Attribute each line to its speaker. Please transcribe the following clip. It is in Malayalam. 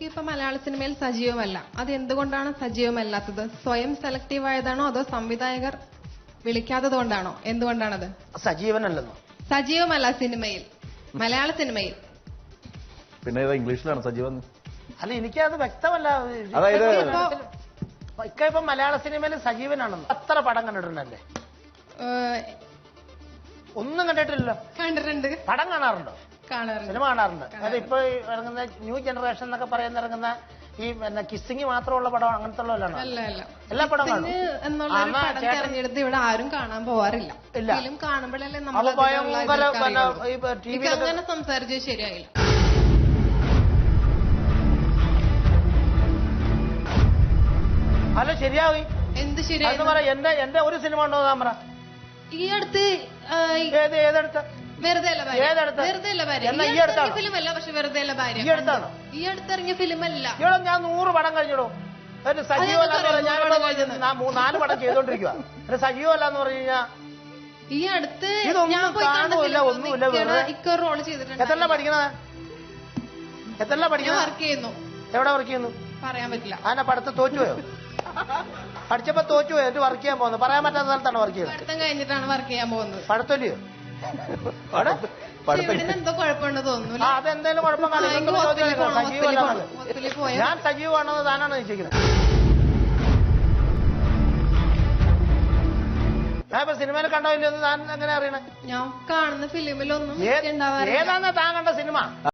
Speaker 1: വിക്കി ഇപ്പൊ മലയാള സിനിമയിൽ സജീവമല്ല. അത് എന്തുകൊണ്ടാണ് സജീവമല്ലാത്തത്? സ്വയം സെലക്റ്റീവ് ആയതാണോ അതോ സംവിധായകർ വിളിക്കാത്തത് കൊണ്ടാണോ? എന്തുകൊണ്ടാണത്?
Speaker 2: സജീവനല്ലെന്നോ?
Speaker 1: സജീവമല്ല സിനിമയിൽ, മലയാള സിനിമയിൽ.
Speaker 3: പിന്നെ ഏതാ ഇംഗ്ലീഷിലാണ് സജീവൻ?
Speaker 2: അല്ല, എനിക്കത് വ്യക്തമല്ല.
Speaker 3: അതായത്
Speaker 2: ഇപ്പൊ മലയാള സിനിമയിൽ സജീവനാണെന്ന് അത്ര പടം കണ്ടിട്ടുണ്ടല്ലേ? ഒന്നും കണ്ടിട്ടില്ലല്ലോ.
Speaker 1: കണ്ടിട്ടുണ്ട്.
Speaker 2: പടം കാണാറുണ്ടോ?
Speaker 1: കാണാറുണ്ട്.
Speaker 2: സിനിമ കാണാറുണ്ട്. അതായത് ഇപ്പൊ ഇറങ്ങുന്ന ന്യൂ ജനറേഷൻ എന്നൊക്കെ പറയുന്ന ഇറങ്ങുന്ന ഈ കിസ്സിങ് മാത്രമുള്ള പടം അങ്ങനത്തെ ഉള്ളതാണ്. എല്ലാ പടം കാണും
Speaker 1: എന്നുള്ള ഒരു പടം തെരഞ്ഞെടുത്ത് ഇവിടെ ആരും കാണാൻ പോവാറില്ല. ഫിലിം കാണുമ്പോഴല്ലേ നമ്മൾ അങ്ങനെ സംസാരിച്ചത് ശരിയായില്ല.
Speaker 2: അല്ല, ശരിയായി.
Speaker 1: എന്ത് ശരിയായി?
Speaker 2: എന്റെ ഒരു സിനിമ ഉണ്ടോ താൻ പറ.
Speaker 1: ഈ അടുത്ത്
Speaker 2: ഏതെടുത്ത?
Speaker 1: വെറുതെ ഫിലിം അല്ല, പക്ഷെ വെറുതെ ഭാര്യ. ഈ അടുത്തിറങ്ങിയ ഫിലിം അല്ല.
Speaker 2: ഇവിടെ ഞാൻ 100 പടം കഴിഞ്ഞിടോ. സജീവമല്ല. ഞാൻ 4 പടം ചെയ്തോണ്ടിരിക്കുക. സജീവമല്ലാന്ന് പറഞ്ഞു കഴിഞ്ഞാൽ
Speaker 1: ഈ അടുത്ത്
Speaker 2: ഇതൊന്നും കാണുമില്ല, ഒന്നുമില്ല.
Speaker 1: റോള് ചെയ്തിട്ടുണ്ട്.
Speaker 2: എത്രല്ല പഠിക്കണത്? എത്രല്ല പഠിക്കുന്നത്?
Speaker 1: വർക്ക് ചെയ്യുന്നു.
Speaker 2: എവിടെ വർക്ക് ചെയ്യുന്നു?
Speaker 1: പറയാൻ പറ്റില്ല.
Speaker 2: അതിനെ പഠിത്തം തോറ്റുപോയോ? പഠിച്ചപ്പോ തോറ്റുപോയോ? എന്നിട്ട് വർക്ക് ചെയ്യാൻ പോകുന്നത്? പറയാൻ പറ്റാത്ത സ്ഥലത്താണ് വർക്ക് ചെയ്യുന്നത്.
Speaker 1: പഠിത്തം കഴിഞ്ഞിട്ടാണ് വർക്ക് ചെയ്യാൻ പോകുന്നത്.
Speaker 2: പഠിത്തല്ലയോ?
Speaker 1: എന്തോ കുഴപ്പമുണ്ട് തോന്നുന്നു.
Speaker 2: അതെന്തെങ്കിലും കുഴപ്പം സജീവമല്ല. ഞാൻ സജീവമാണെന്ന് താനാണ് നിശ്ചയിക്കുന്നത്. ഞാൻ ഇപ്പൊ സിനിമയിൽ കണ്ടോ ഇല്ലെന്ന് താൻ എങ്ങനെ അറിയണേ?
Speaker 1: ഞാൻ കാണുന്ന ഫിലിമിലൊന്നും
Speaker 2: ഏതാണെന്നാ താൻ കണ്ട സിനിമ?